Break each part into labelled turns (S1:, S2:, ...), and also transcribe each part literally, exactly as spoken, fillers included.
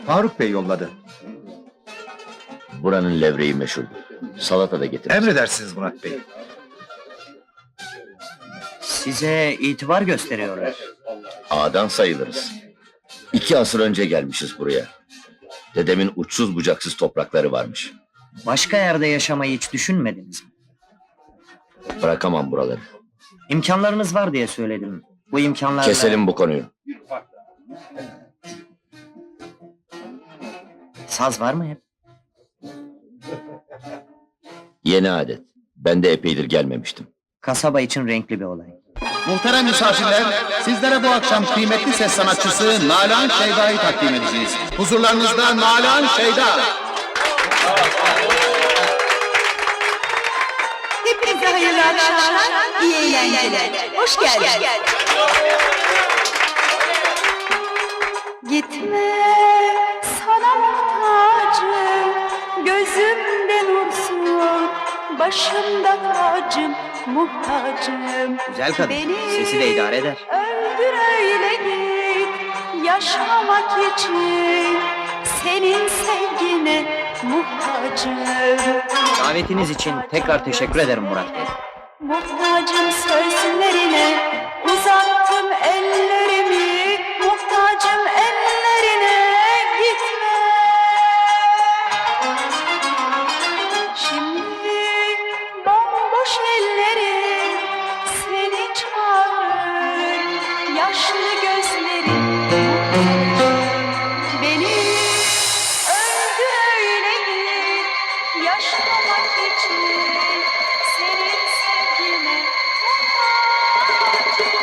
S1: Faruk Bey yolladı.
S2: Buranın levreği meşhur. Salata da getir.
S1: Emredersiniz Murat Bey.
S3: Size itibar gösteriyorlar.
S2: Ağadan sayılırız. İki asır önce gelmişiz buraya. Dedemin uçsuz bucaksız toprakları varmış.
S3: Başka yerde yaşamayı hiç düşünmediniz mi?
S2: Bırakamam buraları.
S3: İmkanlarınız var diye söyledim. Bu imkanlarla...
S2: Keselim bu konuyu.
S3: Saz var mı hep?
S2: Yeni adet. Ben de epeydir gelmemiştim.
S3: Kasaba için renkli bir olay.
S4: Muhterem misafirler, sizlere bu akşam kıymetli ses sanatçısı Nalan Şeyda'yı takdim edeceğiz. Huzurlarınızda Nalan Şeyda.
S5: Hepinize hayırlı akşamlar, iyi eğlenceler. Hoş geldiniz. Gitme, sana muhtacım, gözümde nursun, başımda tacım, muhtacım.
S3: Güzel kadın,
S5: Beni
S3: sesi de idare eder.
S5: öldür öyle git, yaşamak için, senin sevgine muhtacım.
S3: Davetiniz için tekrar teşekkür ederim Murat Bey.
S5: Muhtacım sözlerine, uzattım ellerimi, muhtacım ellerine, gitme. Şimdi bomboş ellerim seni çağırır, yaşlı gözlerim muhtacım. Beni öldür öyle git, yaşamak için. Senin sevgine muhtacım.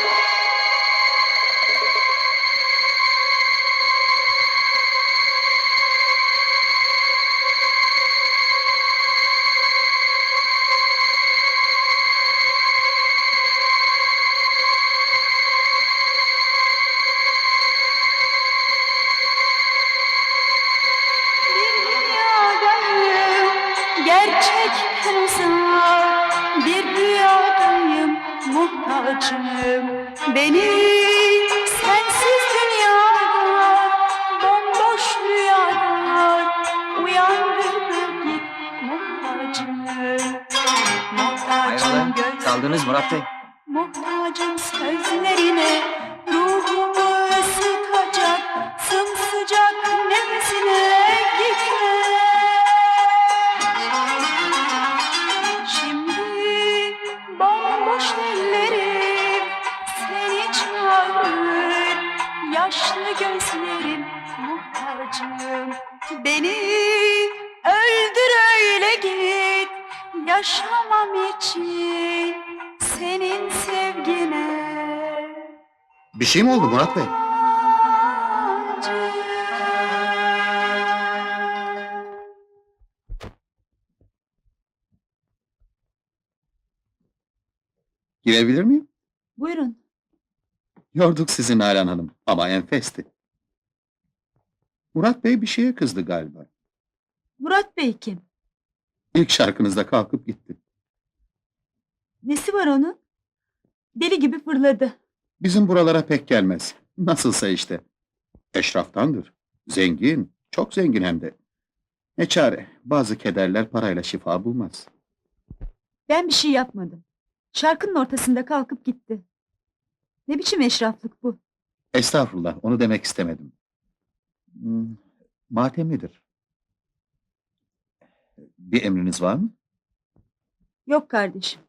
S5: Bir dünyadayım, gerçekten uzak, bir rüyadayım, muhtacım. Beni sensiz dünyada, bomboş rüyada, uyandırıp git, muhtacım. Muhtacım
S3: Hayrola,
S5: göz,
S3: kaldınız Murat Bey.
S5: muhtacım sözlerine, ruhumu ısıtacak, sımsıcak nefesine, gitme. Şimdi bomboş ellerim seni çağırır, yaşlı gözlerim muhtacım. Beni öldür öyle git, yaşamam için senin sevgine.
S4: Bir şey mi oldu Murat Bey?
S5: muhtacım.
S4: Girebilir miyim?
S5: Buyurun.
S4: Yorduk sizi Nalan Hanım ama enfesti. Murat Bey bir şeye kızdı galiba.
S5: Murat Bey kim?
S4: İlk şarkınızda kalkıp gitti.
S5: Nesi var onun? Deli gibi fırladı.
S4: Bizim buralara pek gelmez. Nasılsa işte. Eşraftandır. Zengin, çok zengin hem de. Ne çare, bazı kederler parayla şifa bulmaz.
S5: Ben bir şey yapmadım. Şarkının ortasında kalkıp gitti. Ne biçim eşraflık bu?
S4: Estağfurullah, onu demek istemedim. Hmm, matemlidir. Bir emriniz var mı?
S5: Yok kardeşim.